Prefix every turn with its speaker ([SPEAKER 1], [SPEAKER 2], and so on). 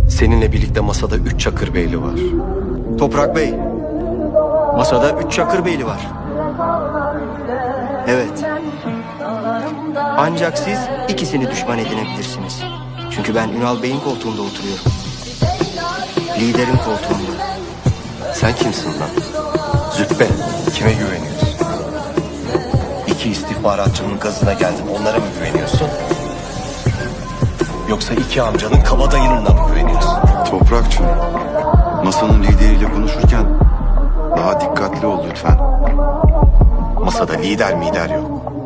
[SPEAKER 1] Seninle birlikte masada 3 Çakırbeyli var.
[SPEAKER 2] Toprak Bey, masada 3 Çakırbeyli var. Evet. Ancak siz ikisini düşman edinebilirsiniz. Çünkü ben Ünal Bey'in koltuğunda oturuyorum. Liderin koltuğunda.
[SPEAKER 1] Sen kimsin lan? Züppe, kime güveniyorsun? 2 istihbaratçının gazına geldin, onlara mı güveniyorsun? Yoksa 2 amcanın kabadayınına mı güveniyorsun?
[SPEAKER 3] Toprakçı, masanın lideriyle konuşurken daha dikkatli ol lütfen.
[SPEAKER 1] Masada lider mider yok.